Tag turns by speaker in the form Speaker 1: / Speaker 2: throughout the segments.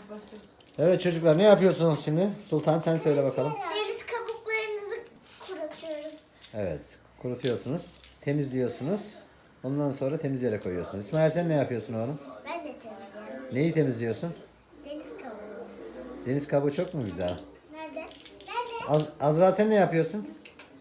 Speaker 1: Evet çocuklar, ne yapıyorsunuz şimdi? Sultan sen söyle bakalım.
Speaker 2: Deniz kabuklarınızı kurutuyoruz.
Speaker 1: Evet, kurutuyorsunuz, temizliyorsunuz. Ondan sonra temiz yere koyuyorsunuz. İsmail sen ne yapıyorsun oğlum?
Speaker 2: Ben de temizliyorum.
Speaker 1: Neyi temizliyorsun?
Speaker 2: Deniz kabuğu.
Speaker 1: Deniz kabuğu çok mu güzel?
Speaker 2: Nerede? Nerede?
Speaker 1: Azra sen ne yapıyorsun?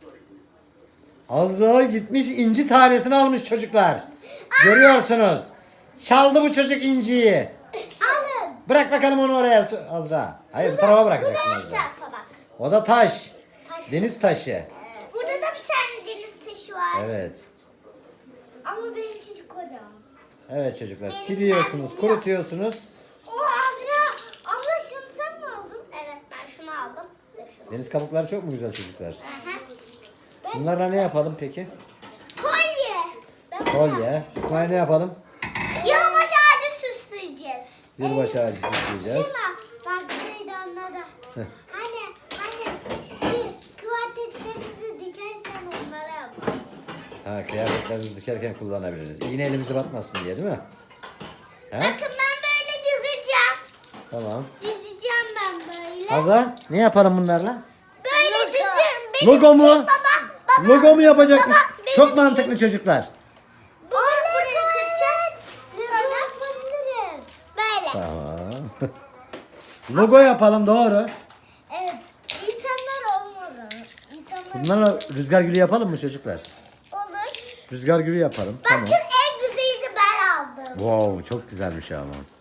Speaker 1: Azra gitmiş inci tanesini almış çocuklar. Görüyorsunuz. Çaldı bu çocuk inciyi.
Speaker 2: Alın.
Speaker 1: Bırak bakalım onu oraya Azra. Hayır, bu tarafa
Speaker 2: Bu
Speaker 1: bırakacaksın
Speaker 2: da şu
Speaker 1: Azra.
Speaker 2: tarafa bak.
Speaker 1: O da taş.
Speaker 2: Taş.
Speaker 1: Deniz taşı.
Speaker 2: Burada da bir tane deniz taşı var.
Speaker 1: Evet.
Speaker 2: Ama benimki kocaman.
Speaker 1: Evet çocuklar, siliyorsunuz, kurutuyorsunuz.
Speaker 2: O Azra. Abla şunu sen mi aldın? Evet ben şunu aldım. Şunu.
Speaker 1: Deniz kabukları çok mu güzel çocuklar?
Speaker 2: Aha.
Speaker 1: Bunlarla ne yapalım peki?
Speaker 2: Kolye. Ben
Speaker 1: Kolye. İsmail ne yapalım?
Speaker 2: Yılbaşı ağacı süsleyeceğiz.
Speaker 1: Yılbaşı ağacı süsleyeceğiz.
Speaker 2: Şuna bak neydi anladı. Hani kıyafetlerimizi dikerken onlara yapalım.
Speaker 1: Ha, kıyafetlerimizi dikerken kullanabiliriz. İğne elimize batmasın diye değil mi? He?
Speaker 2: Bakın ben böyle dizeceğim.
Speaker 1: Tamam.
Speaker 2: Dizeceğim ben böyle.
Speaker 1: Hazan ne yapalım bunlarla?
Speaker 2: Böyle diziyorum. Benim
Speaker 1: Logo mu?
Speaker 2: için baba.
Speaker 1: Logo mu yapacakmış?
Speaker 2: benim
Speaker 1: Çok
Speaker 2: için.
Speaker 1: mantıklı çocuklar.
Speaker 2: Buraya kıracağız. Sonra yapabiliriz. Böyle.
Speaker 1: Tamam. Logo yapalım, doğru.
Speaker 2: Evet. İnsanlar olmalı. İnsanlar
Speaker 1: Bunlarla rüzgar gülü yapalım mı çocuklar?
Speaker 2: olur.
Speaker 1: Rüzgar gülü yapalım.
Speaker 2: Bakın
Speaker 1: Tamam.
Speaker 2: en güzelini ben aldım.
Speaker 1: Wow, çok güzelmiş ama.